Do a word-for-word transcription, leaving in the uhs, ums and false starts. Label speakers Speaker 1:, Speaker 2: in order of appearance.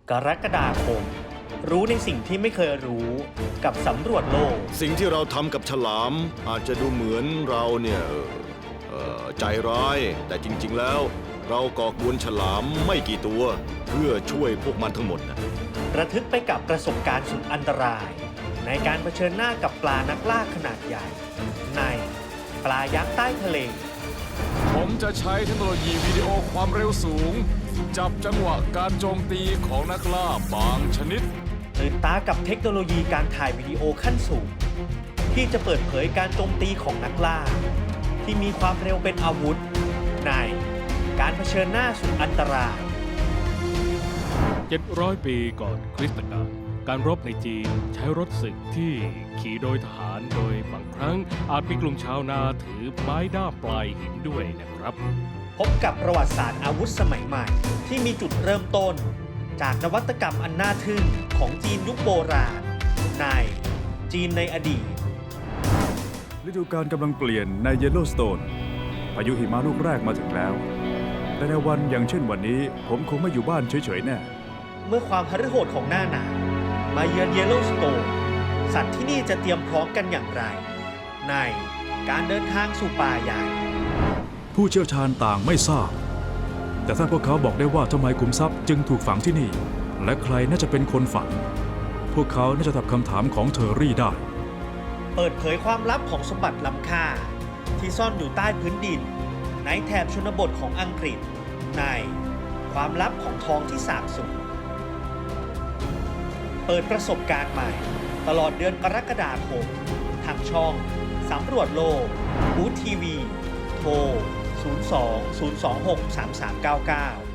Speaker 1: กรกฎาคมรู้ในสิ่งที่ไม่เคยรู้กับสำรวจโลก
Speaker 2: สิ่งที่เราทำกับฉลามอาจจะดูเหมือนเราเนี่ยเอ่อใจร้ายแต่จริงๆแล้วเราก่อกวนฉลามไม่กี่ตัวเพื่อช่วยพวกมันทั้งหมดนะ
Speaker 1: ระทึกไปกับประสบการณ์สุดอันตรายในการเผชิญหน้ากับปลานักล่าขนาดใหญ่ในปลายักษ์ใต้ทะเล
Speaker 3: ผมจะใช้เทคโนโลยีวิดีโอความเร็วสูงจับจังหวะการโจมตีของนักล่าบางชนิด
Speaker 1: ตื่นตากับเทคโนโลยีการถ่ายวิดีโอขั้นสูงที่จะเปิดเผยการโจมตีของนักล่าที่มีความเร็วเป็นอาวุธในการเผชิญหน้าสุดอันตราย
Speaker 4: เจ็ดร้อยปีก่อนคริสตกาลการรบในจีนใช้รถศึกที่ขี่โดยทหารโดยบางครั้งอาจมีกลุ่มชาวนาถือไม้ด้ามปลายหินด้วยนะครับ
Speaker 1: พบกับประวัติศาสตร์อาวุธสมัยใหม่ที่มีจุดเริ่มต้นจากนวัตกรรมอันน่าทึ่งของจีนยุคโบราณในจีนในอดีต
Speaker 5: ฤดูกาลกำลังเปลี่ยนในเยลโลสโตนพายุหิมะลูกแรกมาถึงแล้วแต่ในวันอย่างเช่นวันนี้ผมคงไม่อยู่บ้านเฉยๆแน่
Speaker 1: เมื่อความหฤโหดของหน้าหนาวมาเยือนเยลโลสโตนสัตว์ที่นี่จะเตรียมพร้อมกันอย่างไรในการเดินทางสู่ป่าใหญ่
Speaker 5: ผู้เชี่ยวชาญต่างไม่ทราบแต่ถ้าพวกเขาบอกได้ว่าทำไมขุมทรัพย์จึงถูกฝังที่นี่และใครน่าจะเป็นคนฝังพวกเขาน่าจะตอบคำถามของเทอร์รี่ได้
Speaker 1: เปิดเผยความลับของสมบัติล้ำค่าที่ซ่อนอยู่ใต้พื้นดินในแถบชนบทของอังกฤษในความลับของทองที่สาบสูญเปิดประสบการณ์ใหม่ตลอดเดือนกรกฎาคมทางช่องสำรวจโลกบูธทีวีโทรศูนย์ สอง ศูนย์ สอง หก สาม สาม เก้า เก้า